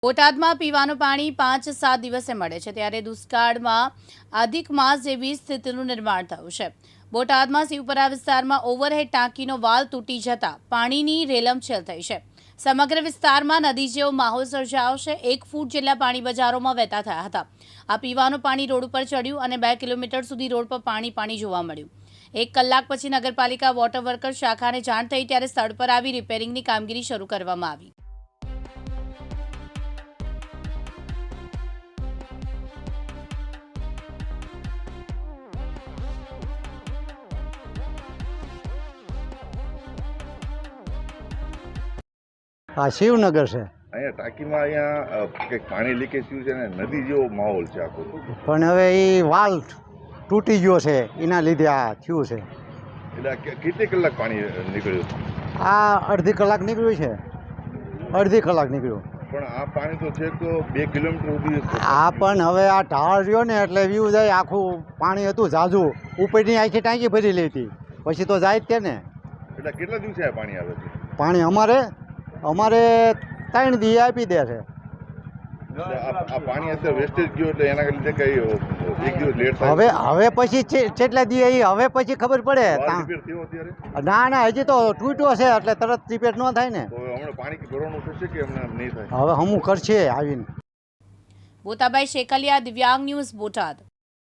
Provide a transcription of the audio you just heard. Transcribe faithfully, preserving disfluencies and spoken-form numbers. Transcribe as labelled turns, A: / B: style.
A: બોટાદમાં પીવાનું પાણી પાંચ સાત દિવસે મળે છે, ત્યારે દુષ્કાળમાં અધિક માસ જેવી સ્થિતિનું નિર્માણ થયું છે। બોટાદમાં શિવપરા વિસ્તારમાં ઓવરહેડ ટાંકીનો વાલ તૂટી જતા પાણીની રેલમછેલ થઈ છે। સમગ્ર વિસ્તારમાં નદી જેવો માહોલ સર્જાયો છે। એક ફૂટ જેટલા પાણી બજારોમાં વહેતા થયા હતા। આ પીવાનું પાણી રોડ ઉપર ચડ્યું અને બે કિલોમીટર સુધી રોડ પર પાણી પાણી જોવા મળ્યું। એક કલાક પછી નગરપાલિકા વોટર વર્કર શાખાને જાણ થઈ ત્યારે સ્થળ પર આવી રિપેરિંગની કામગીરી શરૂ કરવામાં આવી।
B: આ શિવનગર છે।
C: અહીંયા ટાંકીમાં અહીંયા કંઈક પાણી લીકેજ થયું છે ને નદી જેવો માહોલ છે આખો।
B: પણ હવે એ વાલ તૂટી ગયો છે, એના લીધે આ થયું છે।
C: એટલે કે- કેટલી કલાક પાણી નીકળ્યું?
B: આ અડધી કલાક નીકળ્યું છે, અડધી કલાક નીકળ્યું।
C: પણ આ પાણી તો છે તો બે કિલોમીટર સુધી
B: આ પણ હવે આ ઢાળ રહ્યો ને એટલે વ્યૂ જાય, આખું પાણી હતું જાજુ, ઉપરની આખી ટાંકી ભરી લેતી, પછી તો જાય જ તે ને।
C: એટલે કેટલા દિવસે આ પાણી આવે છે?
B: પાણી અમારે અમારે ત્રણ દી આપી દે છે।
C: એટલે આ આ પાણી અત્યારે વેસ્ટેજ ગયું એટલે એના લીધે કઈ એક દિવસ લેટ થાય?
B: હવે હવે પછી છે- કેટલા દી એ હવે પછી ખબર પડે।
C: વાલ
B: તા-
C: રિપેર થયો અત્યારે?
B: ના ના હજી તો તૂટ્યો છે એટલે તરત રિપેર ન થાય ને।
C: તો હવે હમણાં પાણી ભરવાનું થશે કે હમણાં નહીં થાય?
B: હવે હમું કરશે આવીને।
A: બોતાભાઈ શેકલિયા, દિવ્યાંગ ન્યૂઝ, બોટાદ।